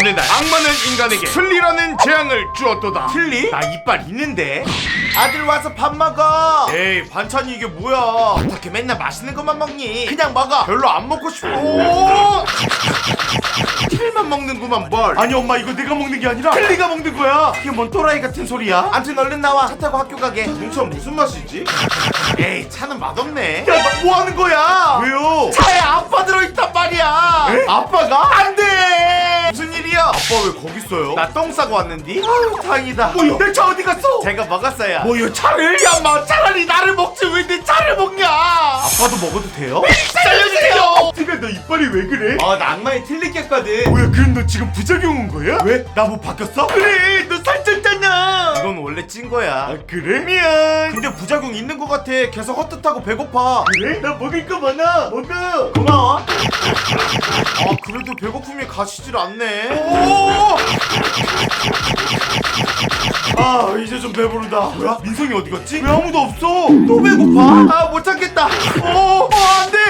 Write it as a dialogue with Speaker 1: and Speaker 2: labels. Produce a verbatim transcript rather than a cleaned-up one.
Speaker 1: 어느 날 악마는 인간에게 틀리라는 재앙을 주었도다.
Speaker 2: 틀리?
Speaker 1: 나 이빨 있는데.
Speaker 2: 아들 와서 밥 먹어.
Speaker 1: 에이 반찬이 이게 뭐야.
Speaker 2: 어떻게 맨날 맛있는 것만 먹니? 그냥 먹어.
Speaker 1: 별로 안 먹고 싶어.
Speaker 2: 오! 틀만 먹는구만 뭘.
Speaker 1: 아니 엄마 이거 내가 먹는 게 아니라 틀리가 먹는 거야.
Speaker 2: 이게 뭔 또라이 같은 소리야? 암튼 얼른 나와. 차 타고 학교 가게.
Speaker 1: 동차 무슨 맛이지?
Speaker 2: 에이 차는 맛없네.
Speaker 1: 야 너 뭐 하는 거야? 왜요?
Speaker 2: 차에 아빠 들어있단 말이야.
Speaker 1: 에?
Speaker 2: 아빠가? 안돼. 무슨 일이야?
Speaker 1: 아빠 왜 거기 있어요?
Speaker 2: 나 똥 싸고 왔는디? 아유 다행이다.
Speaker 1: 뭐야? 내 차 어디 갔어?
Speaker 2: 제가 먹었어요.
Speaker 1: 뭐야 차를?
Speaker 2: 야, 마 차라리 나를 먹지 왜 내 차를 먹냐?
Speaker 1: 아빠도 먹어도 돼요?
Speaker 2: 살려주세요.
Speaker 1: 티가 너 이빨이 왜 그래?
Speaker 2: 어, 나 악마에 틀리겠거든.
Speaker 1: 뭐야 그럼 너 지금 부작용 온 거야? 왜? 나 뭐 바뀌었어?
Speaker 2: 그래, 너 살쪘잖아. 이건 원래 찐 거야.
Speaker 1: 아 그래? 미안.
Speaker 2: 근데 부작용 있는 거 같아. 계속 헛헛하고 배고파.
Speaker 1: 그래? 나 먹을 거 많아. 먹어.
Speaker 2: 고마워. 아, 그래도 배고픔이 가시질 않네. 오!
Speaker 1: 아 이제 좀 배부르다. 뭐야? 민성이 어디 갔지?
Speaker 2: 왜 아무도 없어?
Speaker 1: 또 배고파?
Speaker 2: 아, 못 참겠다.
Speaker 1: 어, 어 안돼.